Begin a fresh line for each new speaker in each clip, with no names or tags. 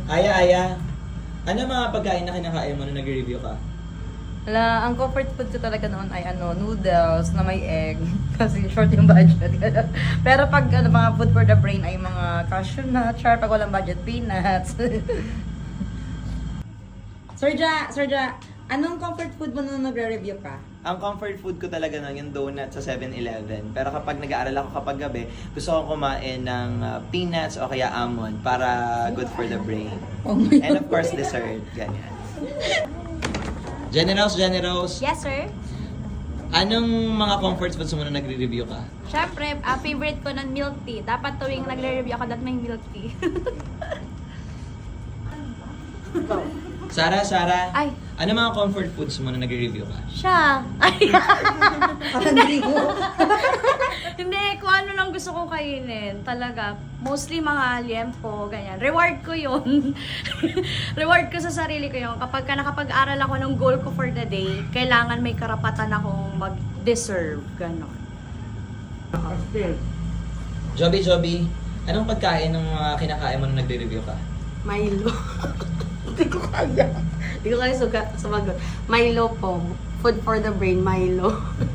Aya, ano mga pagkain na kinakain mo nung nag-review ka?
Wala, ang comfort food ko talaga noon ay noodles na may egg. Kasi short yung budget. Pero pag mga food for the brain ay mga cashew nut, char, pag walang budget, peanuts. Sir Ja, anong comfort food mo nung nagre-review ka?
Ang comfort food ko talaga nun yung donut sa 7-Eleven. Pero kapag nag-aaral ako kapag gabi, gusto kong kumain ng peanuts o kaya almond para good for the brain.
Oh my
And of course, dessert. Ganyan. Generous.
Yes, sir.
Anong mga comfort foods mo nung nagre-review ka?
Siyempre, favorite ko ng milk tea. Dapat tuwing nagre-review ako, dapat may milk tea.
Sarah,
Ay.
ano mga comfort foods mo nung nagre-review ka?
Siya. Ay.
Parang hindi mo.
Hindi, kung ano lang gusto kong kainin. Talaga. Mostly mga liempo, ganyan. Reward ko yun. Reward ko sa sarili ko yun. Kapag nakapag-aral ako ng goal ko for the day, kailangan may karapatan akong mag-deserve. Ganon.
Joby, anong pagkain ng mga kinakain mo nung nagre-review ka?
Milo. Hindi ko kaya. Hindi ko kaya sumagot. Milo po. Food for the brain, Milo.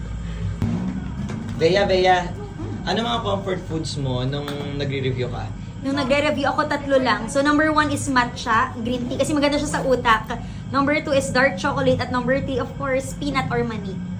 Bea, ano mga comfort foods mo nung nagre-review ka?
Nung nagre-review ako, 3 lang. So, number 1 is matcha, green tea, kasi maganda siya sa utak. Number 2 is dark chocolate. At number 3, of course, peanut or mani.